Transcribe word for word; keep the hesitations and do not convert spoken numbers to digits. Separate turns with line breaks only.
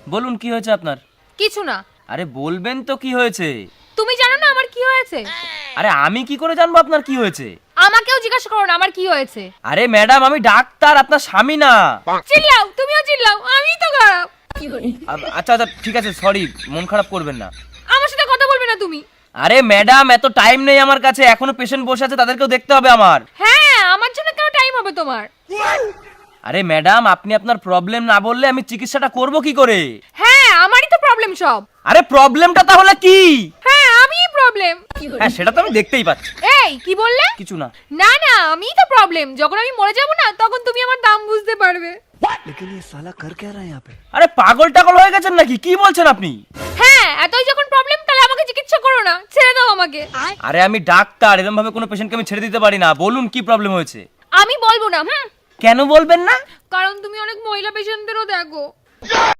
বলুন কি হয়েছে আপনার?
কিছু না।
আরে বলবেন তো কি হয়েছে?
তুমি জানো না আমার কি হয়েছে?
আরে আমি কি করে জানবো আপনার কি হয়েছে?
আমাকেও জিজ্ঞাসা করো না আমার কি হয়েছে।
আরে ম্যাডাম আমি ডাক্তার, আপনার স্বামী না।
চিল্লাও, তুমিও চিল্লাও, আমিই তো খারাপ।
আ- আচ্ছা আচ্ছা ঠিক আছে, সরি, মন খারাপ করবেন না।
আমার সাথে কথা বলবে না তুমি।
আরে ম্যাডাম এত টাইম নেই আমার কাছে, এখনো পেশেন্ট বসে আছে, তাদেরকেও দেখতে হবে আমার।
হ্যাঁ, আমার জন্য কেন টাইম হবে তোমার?
আরে ম্যাডাম আপনি আপনার প্রবলেম না বললে আমি চিকিৎসাটা করব কি করে?
হ্যাঁ, আমারই তো প্রবলেম সব।
আরে প্রবলেমটা তাহলে কি?
হ্যাঁ, আমিই প্রবলেম।
হ্যাঁ সেটা তো আমি দেখতেই পাচ্ছি।
এই কি বললে?
কিছু না।
না না, আমিই তো প্রবলেম। যখন আমি মরে যাব না তখন তুমি আমার দাম বুঝতে পারবে।
लेकिन ये साला कर क्या रहा है यहाँ पे?
আরে পাগল টাগল হয়ে গেছেন নাকি? কি বলছেন আপনি?
হ্যাঁ, এতই যখন প্রবলেম তাহলে আমাকে চিকিৎসা করো না, ছেড়ে দাও আমাকে।
আরে আমি ডাক্তার, এরকম ভাবে কোনো পেশেন্টকে আমি ছেড়ে দিতে পারি না। বলুন কি প্রবলেম হয়েছে?
আমি বলবো না। হুম,
কেন বলবেন না?
কারণ তুমি অনেক মহিলা পেশেন্টদেরও দেখো।